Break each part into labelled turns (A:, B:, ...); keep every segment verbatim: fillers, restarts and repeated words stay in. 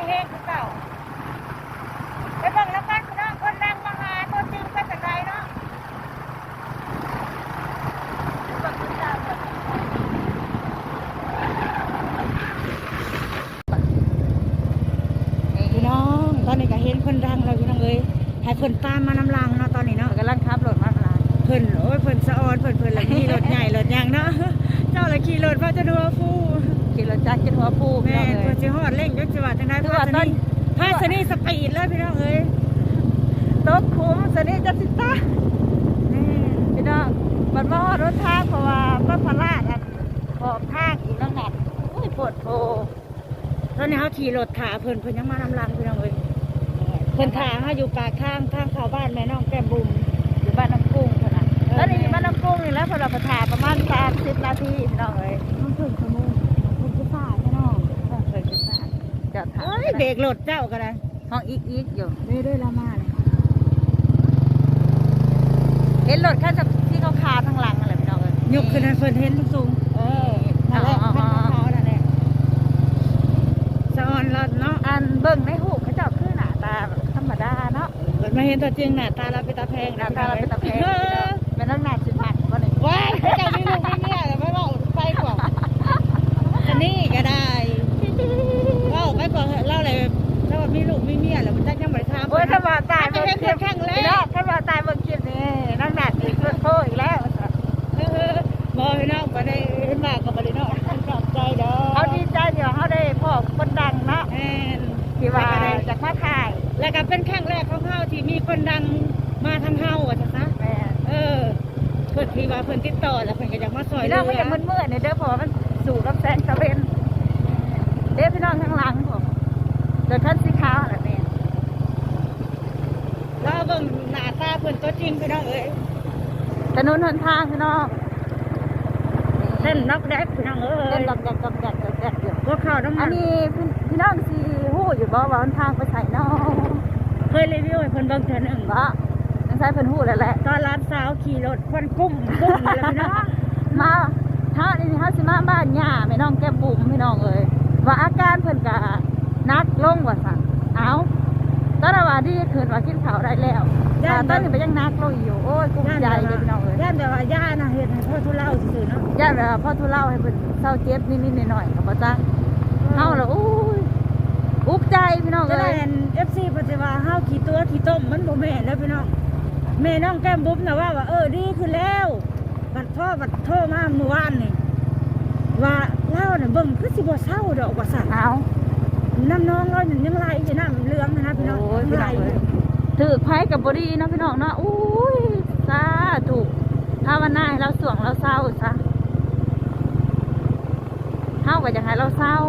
A: เฮงเก่าไปเบิ่งแล้วกันพี่น้องคนดังมาหาตัวจริงเป็นจังไดเนาะเบิ่งคุณเจ้าก่อนพี่น้องตอนนี้ก็เห็นคนดังแล้วพี่น้องเอ้ยให้เพิ่นตามมานำลังเนาะตอนนี้เนาะกำลังขับรถมาลาเพิ่นโอ้ยเพิ่นสะออนเพิ่นเพิ่นละขี่รถใหญ่รถยางเนาะเจ้าละขี่รถพาจะดูว่าฟูขี่รถจักรจะหัวฟูแม่เพิ่นสิฮอดเร่งจักสิว่าจังได๋เพราะว่าตอนพาสนี่สปีดเลยพี่น้องเอ้ยตกขุมสนี่จะสิตานี่พี่น้องมันมาฮอดรถทางเพราะว่าก็พลาดอันขอบทางอีกแล้วแหละโอ้ยปวดโผตอนนี้เฮาขี่รถถาเพิ่นเพิ่นยังมานำลังพี่น้องเอ้ยเพิ่นถาเฮาอยู่ปากทางทางเข้าบ้านแม่น้องแก้มบุ๋มอยู่บ้านน้ำกุ้งเพิ่นน่ะแล้วนี่บ้านน้ำกุ้งนี่แล้วพอเราไปถาประมาณสามสิบนาทีพี่น้องเอ้ยมันถึงชั่วโมงเพิ่นสิฟ้าพี่น้องเพิ่นสิฟ้าจอดถาเอ้ยเบรกรถเจ้าก็ได้ห้องอีกอีกอยู่นี่ด้วยละมาเลยเห็นรถคันที่เขาคาทางหลังอะไรพี่น้องเอ้ยยกขึ้นเพิ่นเห็นสูงเออนั่นแหละคันเขานั่นแหละสะออนรถเนาะอันเบิ่งในหูเขาเจ้าคือหน้าตาธรรมดาเนาะเพิ่นมาเห็นตัวจริงหน้าตาเราเป็นตาแพงหน้าตาเราเป็นตาแพงเป็นนักหนาสิบหักบ่นี่ว้ายเจ้ามีลูกมีเมียแต่ไม่บอกไปกว่าอันนี้ก็ได้เล่าไปก่อนเล่าอะไรถ้าว่ามีลูกมีเมียแล้วมันจะยังไม่ทำโอ้ยถ้าว่าตายเบิ่งคลิปครั้งแรกถ้าว่าตายเบิ่งคลิปนี่นักหนาสิเพื่อนโทษอีกแล้วบ่พี่น้องบ่ได้เห็นหน้าก็บ่ได้เนาะชอบใจดอกเขาดีใจเดี๋ยวเขาได้พ่อคนดังเนาะที่ว่าจากมาถ่ายแล้วก็เป็นครั้งแรกของเฮาที่มีคนดังมาทางเฮาอ่ะจ้ะนะเออเพิ่นที่ว่าเพิ่นติดต่อแล้วเพิ่นก็อยากมาซอยเรื่องมันยังมืดๆเนี่ยเด้อเพราะมันสู่กับแสงตะเวนเด้พี่น้องข้างหลังผมเดินคันสีขาวอะไรเนี่ยแล้วเบิ่งหน้าตาเพิ่นตัวจริงพี่น้องเอ้ยถนนหนทางพี่น้องเส้นนักแดกพี่น้องเอ้ยเส้นดอกแดกดอกแดกดอกแดกอยู่พวกข้าวน้ำมันอันนี้พี่น้องสิฮู้อยู่บ่ว่าหนทางไปไสเนาะเคยรีวิวให้เพิ่นเบิ่งเทื่อนึงบ่นั่นใช่เพิ่นฮู้แล้วแหละตอนร้านสาวขี่รถควันกุ้มกุ้มเลยพี่น้องมาเฮานี่เฮาสิมาบ้านย่าแม่น้องแก้มบุ๋มพี่น้องเอ้ยว่าอาการเพิ่นก็นักลงว่าซั่นเอ้าตอนว่าดีขึ้นว่ากินข้าวได้แล้วย่าตอนนี้มันยังนักลงอยู่โอ้ยกุ้มใจเลยพี่น้องเอ้ยย่าแต่ว่าย่าน่ะเฮ็ดให้พ่อทุเลาซื่อๆเนาะย่าแบบพ่อทุเลาให้เพิ่นเศร้าเจ็บนิดๆหน่อยๆก็บ่จังเฮาล่ะโอ้ยอุกใจพี่น้องเอ้ย เอฟ ซี ปัจจุบันเฮาขี่ตัวขี่ต้มมันบ่แม่นแล้วพี่น้องแม่น้องแก้มบุ๋มน่ะว่าว่าเออดีขึ้นแล้วบัดพ่อบัดโทรมาเมื่อวานนี่ว่าเล่าน่ะเบิ่งคือสิบ่เศร้าดอกว่าซั่นเอาน้ำน้องเรายังไหลอยู่น้ำเหลืองนะพี่น้องไหลถือไผกับบ่ดีเนาะพี่น้องเนาะอุ้ยสาธุภาวนาให้เราสวงเราเศร้าซะเฮาก็อยากให้เราเศร้า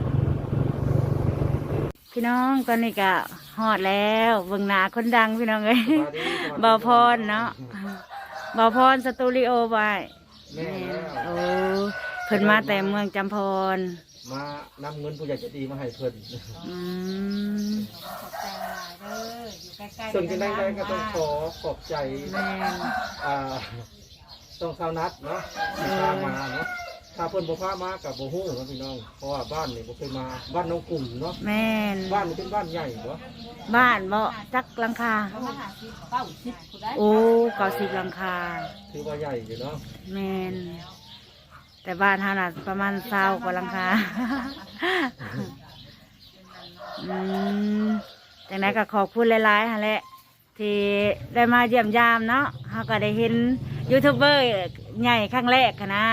A: พี่น้องตอนนี้ก็ฮอดแล้วเบิ่งหน้าคนดังพี่น้องเอ้ยบ่าวพรเนาะบ่าวพรสตูดิโอไว้โอ้เพิ่นมาแต่เมืองจำพร
B: มานำเงินผู้ใหญ่ใจดีมาให้เพิ่น
A: อืม
B: ส่วนที่ได้ก็ต้องขอขอบใจอ่าต้องชาวนัดเนาะที่พามาเนาะถ้าเพิ่นบ่พามากับบ่ฮู้เนาะพี่น้องเพราะว่าบ้านนี่บ่เคยมาบ้านน้องกลุ่มเนาะ
A: แม่น
B: บ้านนี่เป็นบ้านใหญ่บ่
A: บ้านบ่จักหลังคาโอ้เก้าสิบหลังคา
B: ถือว่าใหญ่อยู่เนาะ
A: แม่นแต่บ้านเฮาน่ะประมาณเก้ากว่าหลังคาอืมจังได๋ก็ขอบคุณหลายๆหั่นแหละที่ได้มาเยี่ยมยามเนาะเฮาก็ได้เห็นยูทูบเบอร์ใหญ่ครั้งแรกค่ะนะ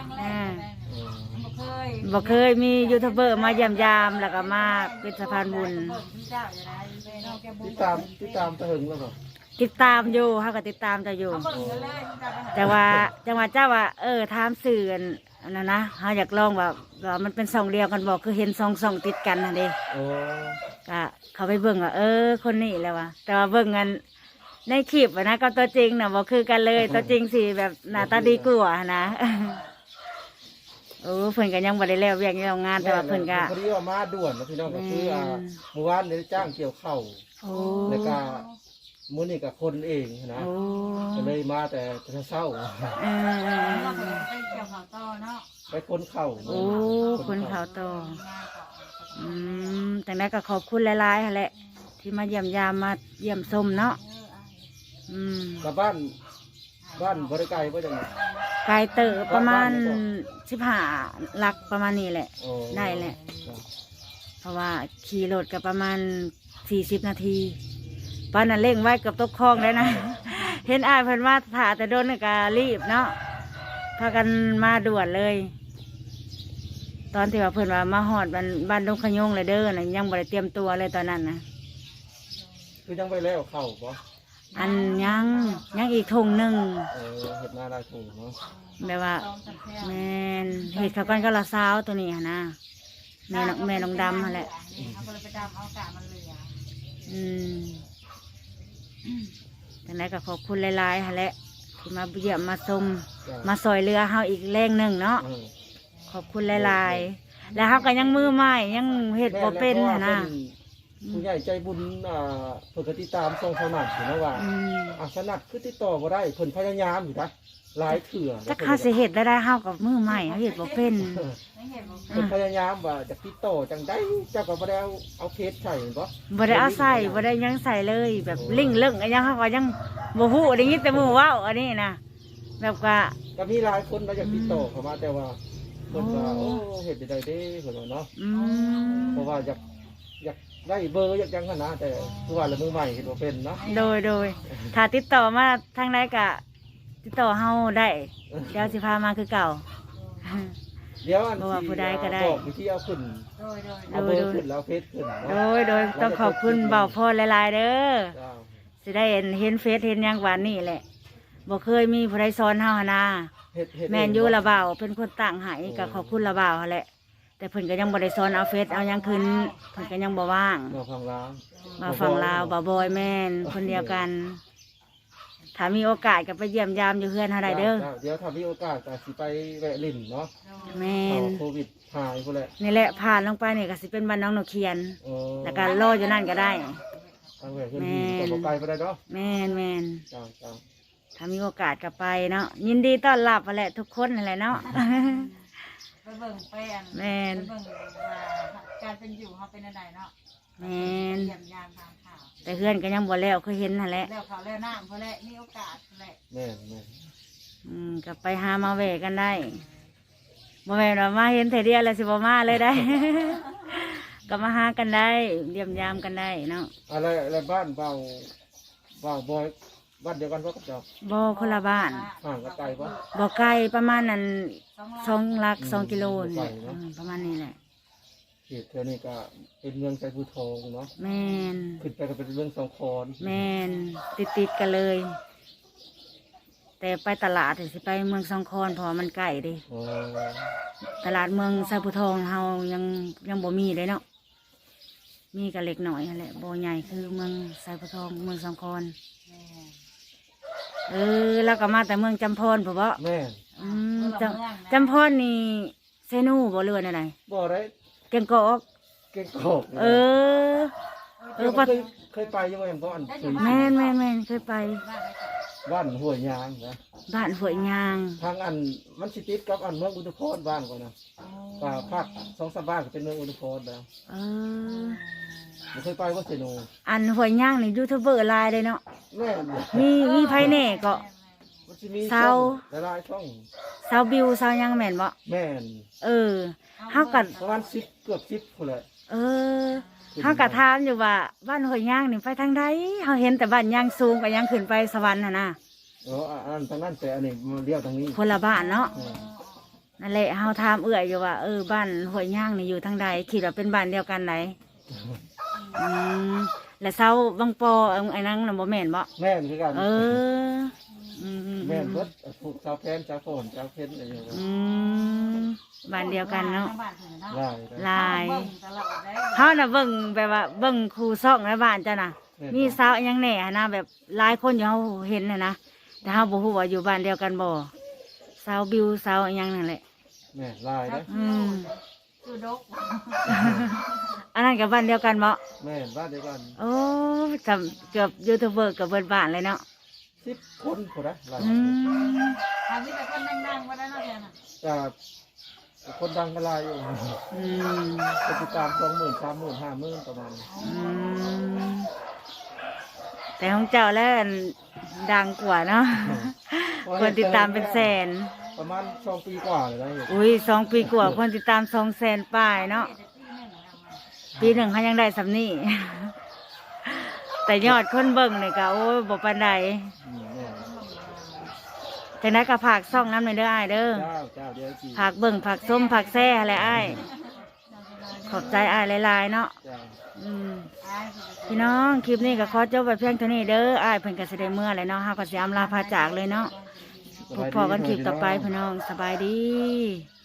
A: บ่เคยมียูทูบเบอร์มาเยี่ยมยามแล้วก็มาเป็นสะพานบุญ
B: ติดตามติดตามตะหึงแล้วบ่
A: ติดตามอยู่เฮาก็ติดตามจะอยู่แต่ว่าจังหวัดเจ้าว่าเออถามสื่ออันนั้นนะเฮาอยากลองว่าว่ามันเป็นสองเดียวกันบ่คือเห็นสองสองติดกันน่ะเด้
B: โอ้
A: ก็เขาไปเบิ่งว่าเออคนนี้แล้วว่ะแต่ว่าเบิ่งกันในคลิปนะก็ตัวจริงน่ะบ่คือกันเลยตัวจริงสิแบบหน้าตาดีกว่านะโอ้เพิ่นก็ยังบ่ได้แล้วเวียกยังงานแต่ว่าเพิ่นก็
B: พอดีว่ามาด่วนนะพี่น้องก็คืออ่าเมื่อวานได้จ้างเกี่ยวข้าวแล้วก็มื้อนี้ก็คนเองนะก็เลยมาแต่เช้า
A: เออ
B: ไปคนข้าว
A: โอ้คนข้าวต่ออืมแต่นั้นก็ขอบคุณหลายๆหั่นแหละที่มาเยี่ยมยามมาเยี่ยมชมเนาะอืม
B: กับบ้านบ้านบริไกลบ่จังได๋
A: ไกลเตอประมาณสิบห้าลักประมาณนี้แหละ
B: โอ้
A: ได้แหละ เพราะว่าขี่รถกับประมาณสี่สิบนาทีป้านนั้นเร่งไว้เกือบตกคลองเลยนะ เห็นอายเพิ่นว่าถ่าแต่โดนนี่ก็รีบเนาะพากันมาด่วนเลย ตอนที่ว่าเพิ่นว่ามาหอดบ้านบ้านดงขยงเลยเด้อนะยังบ่ได้เตรียมตัวเลยตอนนั้นนะ
B: คือยังไปแล้วเข้าบ่
A: อันยังยังอีกทงหนึ่ง
B: เออเฮ็ดหน้าได้ถูกเนาะ
A: แบบว่าแม่นเห็ดเขาวกันก็ละสาวตัวนี้หั่นนะแม่น้องแม่น้องดำหั่นแหละ
C: เอาไปไปดำเอากามันเหลือ
A: อืมแต่ไหนก็ขอบคุณหลายๆหั่นแหละที่มาเยี่ยมมาชม
B: จ้ะ
A: มาซอยเรือเฮาอีกแรงหนึ่งเนาะ
B: เออ
A: ขอบคุณหลายๆ แล้วเฮาก็ยังมือใหม่ยังเฮ็ดบ่เป็น
B: แม่
A: หั่น
B: แล้
A: นะ
B: วเพราะว่าเพิ่นผู้ใหญ่ใจบุญอ่าเพิ่นก็ติดตามส่งสนัดอยู่นะว่า
A: อืม
B: อ่ะสนัดคือติดต่อบ่ได้เพิ่นพยายามอยู่นะหลายเถื่อ
A: จักเฮาสิเฮ็ดได้ได้เฮากับมือใหม่เฮาเฮ็ดบ่เป็น
B: เออ
C: ไม่เห็นบอก
B: เพิ่นพยายามว่าจะติดต่อจังได้เจ้าก็บ่ได้เอาเอาเพจใส่บ่
A: บ่ได้เอาใส่บ่ได้ยังใส่เลย แบบลิงเลิ่งอันยังเฮาก็ยังบ่ฮู้ได้ยินแต่หมู่เว้าอันนี้นะแบบว่า
B: ก็มีหลายคนมาอยากติดต่อเข้ามาแต่ว่าเพิ่นว่า
A: โอ้
B: โอ้เฮ็ดได้เด้เพิ่นว่าเนาะ
A: อืม
B: เพราะว่าอยากอยากได้เบอร์อยากยังขนาดแต่คือว่าละมือใหม่เห็นว่าเป็นเนาะ
A: โดยโดยถ้าติดต่อมาทางใดก็ติดต่อเฮาได้ เดี๋ยวสิพามาคือเก่า
B: เดี๋ยวอัน
A: บ่ว่าผู้ใดก็ได้
B: บอกวิธีเอาขึ้น
C: โดยโดย
B: เอาเบอร์ขึ้นแล้วเอาเฟซขึ้น
A: โด
B: เนาะ
A: ยโดยต้องขอบคุณเบาพ่อหลายๆเด้อ
B: จ้า
A: สิได้เห็นเห็นเฟซเห็นหยังหวานนี่แหละบ่เคยมีผู้ใดสอนเฮาหั่นนะ
B: เฮ็ดเฮ็ด
A: แม่นอยู่ละเบาเป็นคนตั้งให้ก็ขอบคุณละเบาหั่นแหละ แต่เพิ่นก็ยังบ่ได้สอนเอาเฟซเอาหยังขึ้นเพิ่นก็ยังบ่ว่าง
B: มาฟังร้าน
A: มาฟังลาวบ่าวบอยแม่นคนเดียวกัน ถ้ามีโอกาสก็ไปเยี่ยมยามอยู่เฮือนเฮาได้เด้อ
B: จ้าเดี๋ยวถ้ามีโอกาสก็สิไปแวะลิ้นเนาะ
A: แม่
B: เอา
A: น
B: โควิดหายพุ่นแหละ
A: นี่แหละผ่านลงไปนี่ก็สิเป็นบ้านน้องนกเขียน
B: เออ
A: แล้วก็รออยู่นั่นก็ได้
B: ทางแวะขึ้นลิ้นก็บ่ไกลไปได้เนาะ
A: แม่นแม่น
B: จ้าจ้า
A: ถ้ามีโอกาสก็ไปเนาะยินดีต้อนรับนั่นแหละทุกคนนั่นแหละเนาะ
C: ไปเบิ่งแป้น
A: แม่น
C: ไปเบิ่งว่าการเป็นอยู่เขาเป็นอะไรเนาะ
A: แม่น
C: เยี่ยมยามทางข่าว
A: แต่เฮือนก็ยังบ่แล้วเคยเห็นนั่นแหละ
C: แล้วเขาแล้วน้ำเขาแล้วมีโอกาสแหละ
B: แม่นแม่น
A: อืมก็ไปหามาแวะกันได้บ่แม่นว่ามาเห็นเทเดียวแล้วสิบ่มาเลยได้ ก็มาหากันได้เยี่ยมยามกันได้เนาะ
B: อะไรอะไรบ้านเบาเบาบอยบ้านเดียวกันบ่กับเจ้า
A: บ่คนละบ้าน
B: ห่างกันไกลบ่
A: บ่ไกลประมาณนั้น
C: สองล้าน
A: สองหลักสองกิโลนี่
B: ไกลเนาะ
A: อืมประมาณนี้แหละ
B: เขตแถวนี้ก็เป็นเมืองไชภูทองเนาะ
A: แม่น
B: ขึ้นไปก็เป็นเมืองสองคอน
A: แม่นติดติดๆกันเลย แต่ไปตลาดสิไปเมืองสองคอนเพราะว่ามันใกล้เดิ
B: อ๋อ
A: ตลาดเมืองไซภูทองเฮายังยังบ่มีเลยเนาะมีก็เล็กหน่อยนั่นแหละบ่ใหญ่คือเมืองไซภูทองเมืองสองคอน
C: แม่
A: เออแล้วก็มาแต่เมืองจำพรผมบ่
B: แม่น
A: อืมจำจำพรนี่เซนูบ่เรือนอะไร
B: บ่ได้
A: เก่งกอก
B: เก่งกอก
A: เออ เออ
B: เคยเคยไปยังไงบ่อันเคย
A: แม่นแม่นแม่นเคยไป
C: บ้านไหนก่อน
B: บ้านห้วยยางนะ
A: บ้านห้วยยาง
B: ทางอันมันสิติดกับอันเมืองอุทุพรบ้านก่อนนะป่าภาคสองสามบ้านก็เป็นเมืองอุทุพรแล้ว
A: เออ
B: บ่เคยไปว่าเซโน
A: อันห้วยยางนี่ยูทูบเบอร์หลายเลยเนาะ
B: แม่น
A: มีมีไผแน่ก็
B: มันสิมี
A: เศร้า
B: ช่องหลายๆช่อง
A: สาวบิวสาวหยังแม่นบ่
B: แม่น
A: เออเฮากั
B: ประมาณสิบเกือบสิบพุ่นแหละ
A: เออเฮาก็ถามอยู่ว่าบ้านห้วยยางนี่ไปทางใดเฮาเห็นแต่บ้านยางสูงก็ยังขึ้นไปสวรรค์หั่นน่ะ
B: เอออันนั้นทางนั้นแต่อันนี้มาเลี้ยวทางนี้
A: คนละบ้านเนาะ
B: แม่น
A: นั่นแหละเฮาถามเอื้อยอยู่ว่าเออบ้านห้วยย่างนี่อยู่ทางใดคิดว่าเป็นบ้านเดียวกันไหนอืมแล้วเสาบางปอเอาไอ้นั่งน่ะบ่แม่นบ่
B: แม่นคือกัน
A: เอออืมอืม
B: แม่นเบิดผูกชาวแพนชาวโฟนชาวเพชรอะไรอย่างเงี้ย
A: อืมบ้านเดียวกันเนาะ
C: บ้านถึงเนาะ
B: หลาย
A: ลาย
C: เบิ่งตลอดได้
A: เฮาน่ะเบิ่งแบบว่าเบิ่งครูซ่องในบ้านจ้ะน่ะมีสาวอิหยังแหน่นะแบบหลายคนอยู่เฮาเห็นน่ะนะแต่เฮาบ่ฮู้ว่าอยู่บ้านเดียวกันบ่สาวบิวสาวอิหยังนั่นแหละ
B: แม่นหลายนะ
A: อืม
C: คือดก
A: อันนั้นกับบ้านเดียวกันบ่
B: แม่นบ้านเดียวกัน
A: โอ้จำเกือบยูทูบเบอร์กับเบิร์ดบ้านเลยเนาะ
B: สิบคนคนละหลาย
A: อืม
C: ทำนี่แต่คนนั่งๆว่าได้เนาะแทนน่ะ
B: อ่าคนดังกระไรอยู่
A: อืม
B: คนติดตามสองหมื่นสามหมื่นห้าหมื่นประมาณนี้
A: อืมแต่ของเจ้าแล้วอันดังกว่าเนาะคนติดตามเป็นแสน
B: ประมาณสองปีกว่าเลยนะเห็น
A: อุ้ยสองปีกว่าคนติดตามสองแสนป้ายเนาะปีหนึ่งเขายังได้สำนี่ แต่ยอดคนเบิ่งเนี่ยก็โอ้ยบ่ปานใด
B: อืมเนี่ย
A: จากนั้นก็ผากซ่องน้ำในอยเด้ออ้ายเด้อ
B: เจ้าเจ้าเดี๋ยวจี
A: ผากเบิ่งผากส้มผากแซ่อะไรอ้ายขอบใจอ้ายหลายๆเนาะ
B: เจ้า
A: อืมพี่น้องคลิปนี้ก็ขอจบไปเพียงเท่านี้เด้ออ้ายเพิ่นก็สิได้เมื่อเลยเนาะเฮาก็สิอำลาพาจากเลยเนาะพบพอกันคลิปต่อไปพี่น้องสบายดี